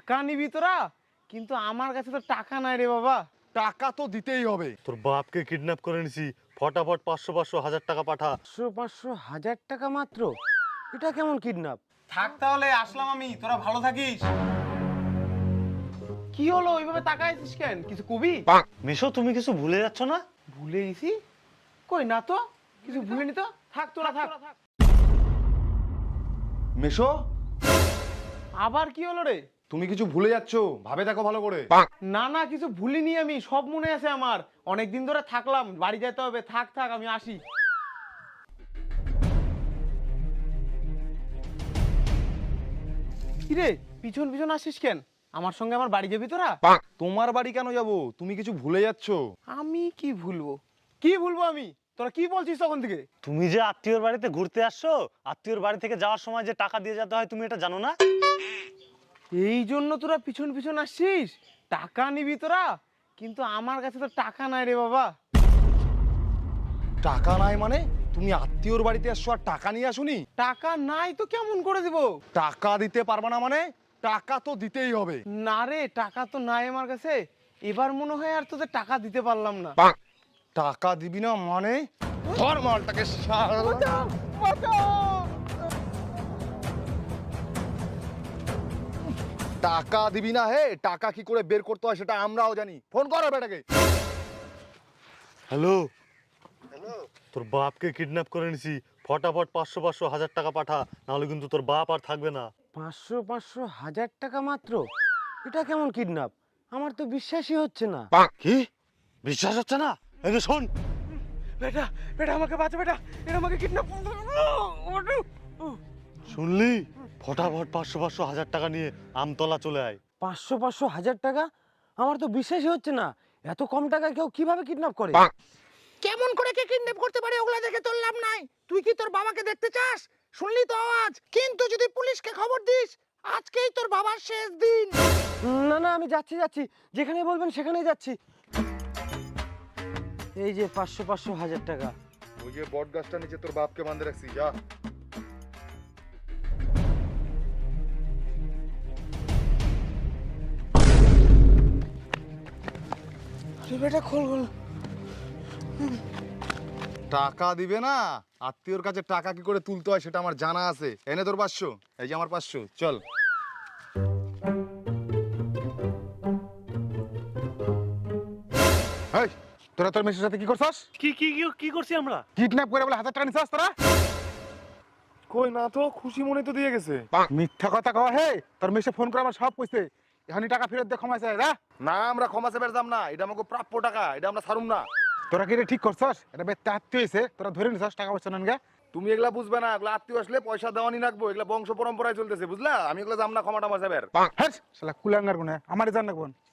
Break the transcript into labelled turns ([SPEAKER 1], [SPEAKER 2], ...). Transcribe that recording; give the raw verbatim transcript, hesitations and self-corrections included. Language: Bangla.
[SPEAKER 1] টাকা নিবি তোরা, কিন্তু আমার কাছে তো টাকা নাই রে বাবা।
[SPEAKER 2] টাকা তো দিতেই হবে।
[SPEAKER 3] তোর বাপকে কিডন্যাপ করে নিছি, ফটাফট পাঁচশো পাঁচশো হাজার টাকা পাঠা।
[SPEAKER 1] পাঁচশো পাঁচশো হাজার টাকা মাত্র? এটা কেমন কিডন্যাপ?
[SPEAKER 4] থাক তাহলে, আসলাম আমি, তোরা ভালো থাকিস।
[SPEAKER 1] কি হলো ওইভাবে তাকাইছিস কেন? কিছু কবি?
[SPEAKER 3] মেশো, তুমি কিছু ভুলে যাচ্ছ না?
[SPEAKER 1] ভুলে গেছি? কই না তো, কিছু ভুলিনি তো। থাক তোরা থাক।
[SPEAKER 2] মেশো,
[SPEAKER 1] আবার কি হলো রে?
[SPEAKER 2] তুমি কিছু ভুলে যাচ্ছ, ভাবে দেখো ভালো করে।
[SPEAKER 1] না না, কিছু ভুলিনি আমি, সব মনে আছে আমার। অনেকদিন ধরে থাকলাম, বাড়ি যেতে হবে। থাক থাক, আমি আসি। কিরে পিছন পিছন আসিস কেন? আমার সঙ্গে আমার বাড়ি যাবি তোরা?
[SPEAKER 2] তোমার বাড়ি কেন যাব? তুমি কিছু ভুলে যাচ্ছ।
[SPEAKER 1] আমি কি ভুলবো? কি ভুলবো আমি? তোরা কি বলছিস তখন থেকে?
[SPEAKER 3] তুমি যে আত্মীয়র বাড়িতে ঘুরতে আসছো, আত্মীয়র বাড়ি থেকে যাওয়ার সময় যে টাকা দিয়ে যেতে হয়, তুমি এটা জানো না?
[SPEAKER 1] এই জন্য তোরা পিছন পিছন আসছিস? টাকা নিবি তোরা, কিন্তু আমার কাছে তো টাকা নাই রে বাবা।
[SPEAKER 2] টাকা নাই মানে? তুমি আত্মীয়র বাড়িতে আসছো আর টাকা নিয়ে আসুনি?
[SPEAKER 1] টাকা নাই তো কেমন করে দিব?
[SPEAKER 2] টাকা দিতে পারবা না মানে? টাকা তো দিতেই হবে।
[SPEAKER 1] না রে, টাকা তো নাই আমার কাছে। এবার মনে হয় আর তোদের টাকা দিতে পারলাম না।
[SPEAKER 2] টাকা দিবি না মানে? ধর মালটাকে শালা। টাকা দিবি না? হে, টাকা কি করে বের করতে হয় সেটা আমরাও জানি। ফোন করো বেটাকে।
[SPEAKER 3] হ্যালো হ্যালো, তোর বাপকে কিডন্যাপ করে নিছি, ফটাফট পাঁচশো পাঁচশো হাজার টাকা পাঠা, নাহলে কিন্তু তোর বাপ আর থাকবে না।
[SPEAKER 1] পাঁচশো পাঁচশো হাজার টাকা মাত্র? এটা কেমন কিডন্যাপ? আমার তো বিশ্বাসই হচ্ছে না।
[SPEAKER 3] কি বিশ্বাস হচ্ছে না? এই যে শোন,
[SPEAKER 1] বেটা বেটা আমাকে বাঁচা বেটা, এটা আমাকে কিডন্যাপ।
[SPEAKER 3] শুনলি? ফটাফট পাঁচশো পাঁচশো হাজার টাকা নিয়ে আমতলা চলে আয়।
[SPEAKER 1] পাঁচশো পাঁচশো হাজার টাকা? আমার তো বিশ্বাসই হচ্ছে না। এত কম টাকায় কেউ কিভাবে কিডন্যাপ করে?
[SPEAKER 5] কেমন করে কে কিডন্যাপ করতে পারে ওগুলা দেখে তোর লাভ নাই। তুই কি তোর বাবাকে দেখতে চাস? শুনলি তো আওয়াজ। কিন্তু যদি পুলিশকে খবর দিস, আজকেই তোর বাবার শেষ দিন।
[SPEAKER 1] না না, আমি যাচ্ছি যাচ্ছি, যেখানে বলবেন সেখানেই যাচ্ছি। এই যে পাঁচশো পাঁচশো হাজার টাকা।
[SPEAKER 2] ওই যে বট গাছটা নিচে তোর বাপকে বাঁধে রাখছি, যা।
[SPEAKER 1] আরে বেটা খোল খোল।
[SPEAKER 2] টাকা দিবে না? আত্মীয়র কাছে টাকা কি করে তুলতে হয় সেটা আমার জানা আছে। এনে তোর পাঁচশো, এই যে আমার পাঁচশো, চল। এই, তোরা তোর মেসের সাথে কি করছস?
[SPEAKER 3] কি কি কি কি করছি আমরা?
[SPEAKER 2] কিডন্যাপ করে বলে হাজার টাকা নিছস তোরা? কই না তো, খুশি মনে তো দিয়ে গেছে। মিথ্যা কথা কওয়া। হে, তোর মেসে ফোন করে আমার সব কইছে। এখানে টাকা ফেরত দে, ক্ষমা চাই। না, আমরা ক্ষমা চাইবে যাম না। এটা আমাকে প্রাপ্য টাকা, এটা আমরা ছাড়ুম না। তোরা কি এটা ঠিক করছস? এটা বেতে আত্মীয় হইছে, তোরা ধরে নিছস টাকা পয়সা নেন গে। তুমি এগুলা বুঝবে না, এগুলা আত্মীয় আসলে পয়সা দেওয়ানি রাখবো, এগুলা বংশ পরম্পরায় চলতেছে, বুঝলা? আমি এগুলা যাম না ক্ষমা টমা চাইবে। হ্যাঁ শালা কুলাঙ্গার গুনে আমারে জান রাখবো।